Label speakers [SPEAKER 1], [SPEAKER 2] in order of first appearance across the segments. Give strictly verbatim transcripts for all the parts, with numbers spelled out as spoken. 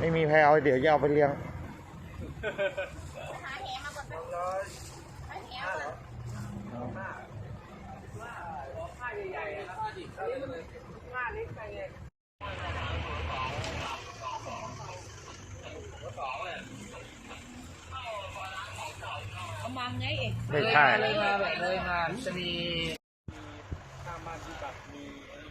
[SPEAKER 1] ไม่มีแพรเอาเดี๋ยวจะเอาไปเลี้ยง
[SPEAKER 2] หาแหมาก่อนไปหาแหก่อน
[SPEAKER 3] ผ้าใหญ่ๆแล้วก็ดิบผ้าเล็กไปเลย
[SPEAKER 2] กำลังไงเอง
[SPEAKER 1] ไม่ใช่
[SPEAKER 3] เลยมาแบบเลยมาจะมีข้ามบ้านที่แบบมี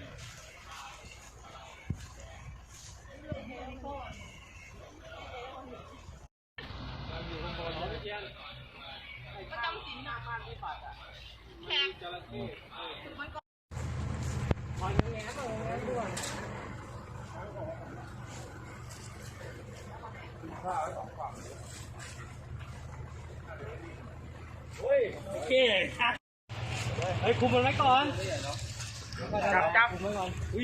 [SPEAKER 3] อยู่ข้างบนเขาเยี่ยนก็ต้องสินหน้าบ้านที่ปัดอ่ะแขกจระเข้มันก็คอยแง่ๆตรงนั้นด้วยข้าวไว้สองฝั่งเฮ้ยโอเคครับเฮ้ยคุมมันไว้ก่อนจับจับคุมไว้ก่อนอุ้ย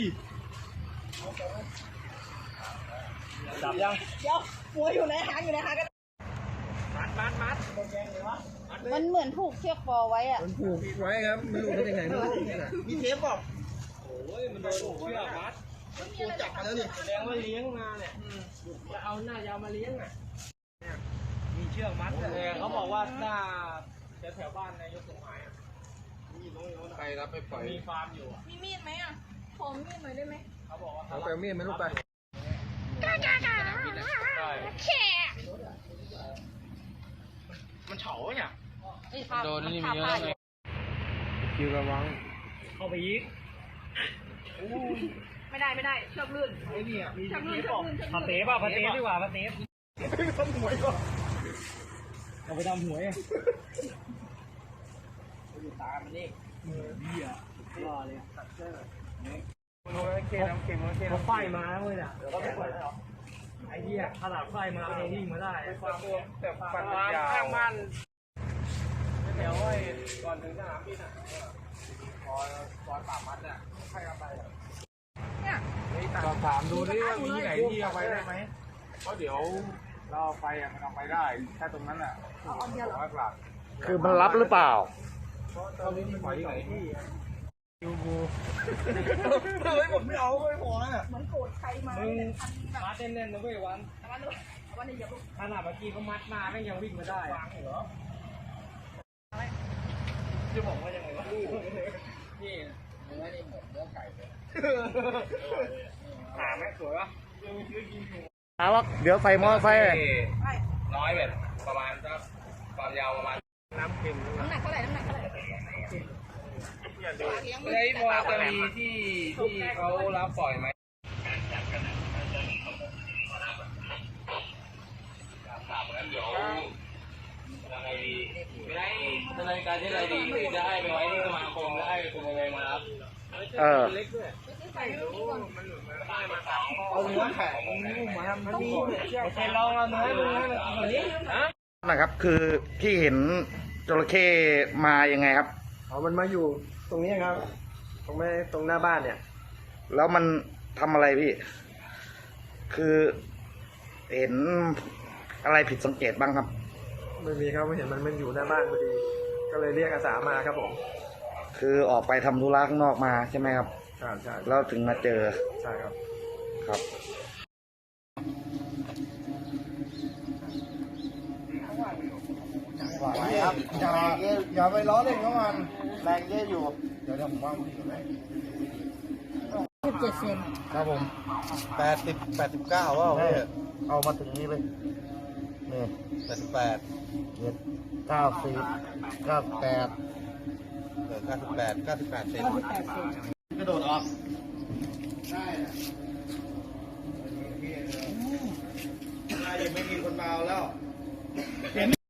[SPEAKER 3] จับยัง
[SPEAKER 2] เดี๋ยวหัวอยู่ในหางอยู่ในหางกัน
[SPEAKER 3] มัดมัดมัด
[SPEAKER 2] มันเหมือนผูกเชือกคอไว้อะ
[SPEAKER 3] มันผูกไว้ครับไม่รู้เป็นยังไงไม่รู้มีเทปบอกโอ้ยมันโดนผูกเชือกมัดผูกจับมาแล้วนี่แสดงว่าเลี้ยงมาเนี่ยจะเอาหน้ายาวมาเลี้ยงอ่ะมีเชือกมัดแต่เขาบอกว่าหน้าแถวบ้านนายกสมหมายมีน้องๆใครรับไปปล่อยมีฟาร์มอยู่
[SPEAKER 2] มีมีดไหมอ่ะขอมีดหน่อยได้ไหม
[SPEAKER 3] เขาบอกว่าเอาไปมีดไหมลูกไปมันเฉาเนี่ยโดนนี่มีเยอะเลยคิวระวังเข้าไปยิง
[SPEAKER 2] ไม่ได้ไม่ได้เชือกลื่น
[SPEAKER 3] ไอ้นี่อ่ะมี
[SPEAKER 2] เชือกลื่นเชือกลื่น
[SPEAKER 3] ผัดเต๋ป่ะผัดเต๋ดีกว่าผัดเต๋ทำหวยก่อนเอาไปทำหวยอยู่ตามันนี่เบี้ยรอเลยตัดเสื้อมันโดนเกน้ำเค็มเค็มเขาไฟมาเลยน่ะเดี๋ยวเขาไปปล่อยแล้วไอ้เหี้ยขนาดไฟมาเองวิ่งมาได้แต่ฟันยาวข้างบ้านเดี๋ยวไอ้ก่อนถึงสนามบินอ่ะพอตอนป่ามัดอ่ะใครเอาไป
[SPEAKER 2] เนี่ย
[SPEAKER 3] สอบถามดูดิว่ามีไหนที่เอาไปได้ไหมเพราะเดี๋ยวเราเอาไปอ่ะมันเอาไปได้แค่ตรงนั้นอ่ะ
[SPEAKER 2] เอาอันเดียวหรอ
[SPEAKER 1] คือมันรับหรือเปล่า
[SPEAKER 3] ตอนนี้มีปล่อยที่ไหนที่ยูบูเฮ้ยผมไม่เอาไม่พอน่ะ
[SPEAKER 2] เหมือนโกรธใครมา
[SPEAKER 3] มึงมัดแน่นๆนะเว้ยวัน
[SPEAKER 2] วันนี้วันนี้อย่าลุก
[SPEAKER 3] ขนาดเมื่อกี้เขามัดมาไม่ยังวิ่งมาได้ฟังเหรอจะบอกว่ายังไงวะนี่เนื้อนี่เหมือนเนื้อไก่เลยหาไหมสวยวะ
[SPEAKER 1] หาว่าเดี๋ยวใส่มอไซค์
[SPEAKER 3] น้อยแบบประมาณสักความยาวประมาณน้ำเค็ม
[SPEAKER 2] น้ำหนักเท่าไหร่น้ำหนักเท่าไหร่
[SPEAKER 3] ไอ้พอจะมีที่ที่เขารับปล่อยไหมเดี๋ยวยังไงดีไม่ได้ดำเนินการที่ไรดีคือจะให้ไปไว้ที่สมาคมแล้วให้คุณไปมารับ
[SPEAKER 1] เออ
[SPEAKER 3] เอาเนื้อแข็งมาทำมันมีโอเคลองเอาเนื้อดูให้มันกินแบบนี้
[SPEAKER 1] นะครับคือที่เห็นจระเข้มายังไงครับ
[SPEAKER 3] อ๋อมันมาอยู่ตรงนี้ครับตรงไม่ตรงหน้าบ้านเนี่ย
[SPEAKER 1] แล้วมันทำอะไรพี่คือเห็นอะไรผิดสังเกตบ้างครับ
[SPEAKER 3] ไม่มีครับไม่เห็นมันมันอยู่หน้าบ้านพอดีก็เลยเรียกอาสามาครับผม
[SPEAKER 1] คือออกไปทำธุระข้างนอกมาใช่ไหมครับ
[SPEAKER 3] ใช่ใช่
[SPEAKER 1] แล้วถึงมาเจอ
[SPEAKER 3] ใช่ครับ
[SPEAKER 1] ครับไหวครับอย่าอย่าไปล้อเล่นกับมันแรงเยอะอยู่เดี๋ยวเดี๋ยวผมว่าพี่อยู่ไหน
[SPEAKER 2] สิบเจ็ดเซน
[SPEAKER 1] ครับผมแปดสิบแปดสิบเก้าว่าเอามาถึงนี้เลยนี่แปดสิบแปดเจ็ดเก้าสิบเก้าแปดเออเก้าสิบแปดเก้าสิบแปดเซนกระโดดออกได้ยังไม่มีคนเมาแล้ว